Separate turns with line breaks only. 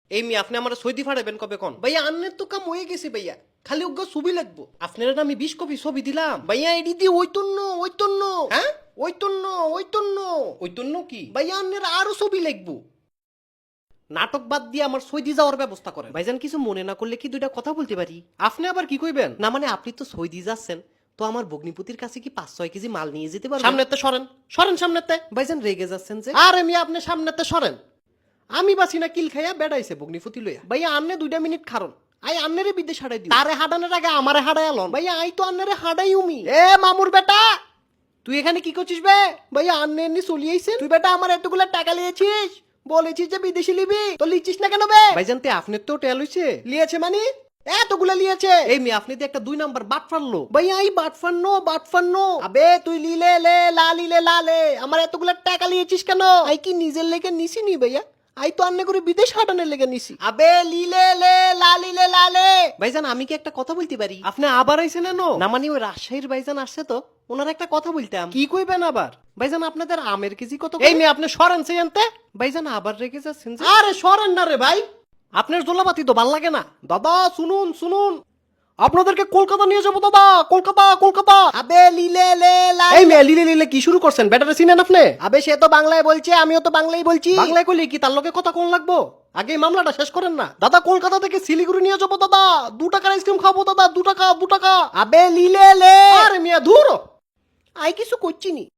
এই মি আপনি আমার সৌদি ফাড়াবেন কবে কোন ভাইয়া আন্নের তো কাম হয়ে গেছে ভাইয়া খালি ওগো ছবি লাগবো আপনারা আমি 20 কপি ছবি দিলাম ভাইয়া এডি দি ওইতন্ন হ্যাঁ ওইতন্ন কি ভাইয়া আন্নের আরো ছবি লাগবো নাটক বাদ দিয়ে আমার সৌদি যাওয়ার ব্যবস্থা করেন ভাইজান কিছু মনে না করলে কি দুইটা কথা বলতে পারি আপনি আবার কি কইবেন না মানে আপনি তো সৌদি যাচ্ছেন তো আমার ভগ্নিপতির কাছে কি 5-6 কেজি মাল নিয়ে যেতে পারবেন সামনেতে সরেন সামনেতে ভাইজান রেগে যাচ্ছেন যে আরে মি আপনি সামনেতে সরেন আমি বাসি না কিল খাইয়া বেড়াইছে ভগ্নিপতি লইয়া ভাইয়া আন্নে 2 মিনিট খারন আই আন্নেরে বিদেশ হাড়াই দিও তারে হাডানোর আগে আমারে হাডাই আলন ভাইয়া আই তো আন্নেরে হাডাই উমি এ মামুর বেটা তুই এখানে কি করছিস বে ভাইয়া আন্নে এমনি চলি আইছেন তুই বেটা আমার এতগুলা টাকা লিয়েছিস বলেছিস যে বিদেশি লিবি তো লিচিস না কেন বে ভাইজান তে আপনার তো টেল হইছে লিয়েছে মানে এতগুলা লিয়েছে এই মি আপনি তো একটা 2 নাম্বার বাট ফারলো ভাইয়া এই বাট ফারনো আবে তুই লিলে লে লালে আমার এতগুলা টাকা লিয়েছিস কেন আই কি নিজের লেগে নিছি নি ভাইয়া আই তো আন্নে করে বিদেশ হাটানোর লেগে নিছি আবে লিলে লে লালে ভাইজান আমি কি একটা কথা বলতে পারি আপনি আবার আইছেন না মানে ওই রাজশাহীর ভাইজান আসছে তো ওনার একটা কথা বলতাম কি কইবেন আবার ভাইজান আপনাদের আমের কেজি কত এই নি আপনি সরেন সেইনতে ভাইজান আবার রেগে যাচ্ছেন আরে সরেন না রে ভাই আপনার জোলাপাতি তো ভাল লাগে না দাদা শুনুন আপনাদেরকে কলকাতা নিয়ে যাবো দাদা কলকাতা আবে লিলে লে এই মে লিলে কি শুরু করছেন ব্যাটারে চিনেন আপনি আবে সে তো বাংলায় বলছে আমিও তো বাংলায় বলছি বাংলায় কইলে কি তার লগে কথা কোন লাগবো আগে এই মামলাটা শেষ করেন না দাদা কলকাতা থেকে শিলিগুড়ি নিয়ে যাবো দাদা 2 টাকার আইসক্রিম খাবো দাদা 2 টাকা আবে লিলে লে আরে মিয়া ধুর আই কিছু করছি নি